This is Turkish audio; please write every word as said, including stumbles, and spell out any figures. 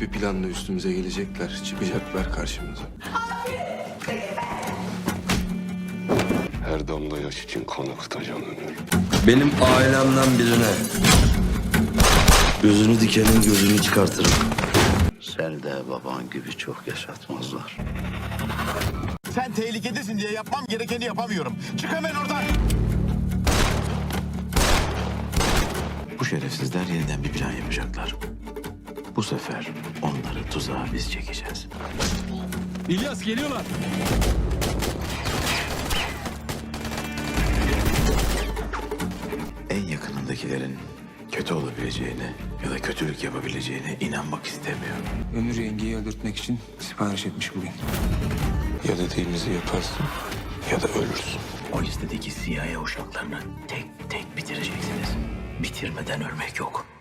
bir planla üstümüze gelecekler. Çıkacaklar karşımıza. Her damla yaş için kan akıtacağım Ömür. Benim ailemden birine gözünü dikenin gözünü çıkartırım. Seni de baban gibi çok yaşatmazlar. Sen tehlikedesin diye yapmam gerekeni yapamıyorum. Çık hemen oradan. Bu şerefsizler yeniden bir plan yapacaklar. Bu sefer onları tuzağa biz çekeceğiz. İlyas geliyorlar. En yakınındakilerin kötü olabileceğine ya da kötülük yapabileceğine inanmak istemiyor. Ömür yengeyi öldürtmek için sipariş etmiş bugün. Ya dediğimizi yaparsın ya da ölürsün. O listedeki C I A uşaklarını tek tek bitireceksiniz. Bitirmeden ölmek yok.